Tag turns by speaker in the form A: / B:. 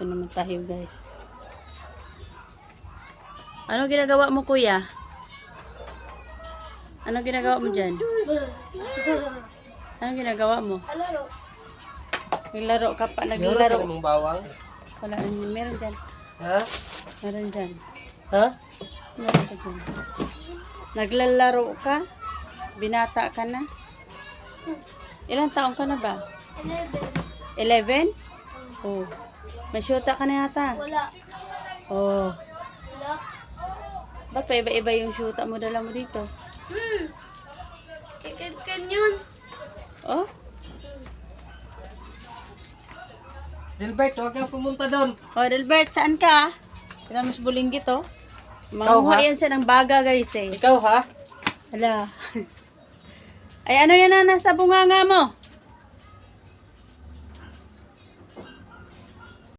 A: Dito naman tayo, guys. Ano ginagawa mo, kuya? Ano ginagawa mo dyan? Ano ginagawa mo?
B: Alaro.
A: Naglaro ka pa,
C: Meron
A: naglaro.
C: ka namang bawang?
A: Wala, meron dyan.
C: Ha?
A: Meron dyan.
C: Ha?
A: Meron ka dyan. Naglalaro ka? Binata ka na? Ilang taong ka na ba?
B: 11.
A: 11? Oh. May syota ka na yata.
B: Wala.
A: Oh.
B: Wala.
A: Ba't pa iba-iba yung syota mo dala mo dito?
B: Kikitkin yun.
A: Oh?
C: Dilbert, huwag kang pumunta doon.
A: Oh, Delbert, saan ka? Kita mas bulinggit, oh.
C: Ikaw,
A: Manguha
C: ha?
A: yan siya ng baga, guys, eh.
C: Ikaw ha?
A: Hala. Ay, ano yan na nasa bunganga mo?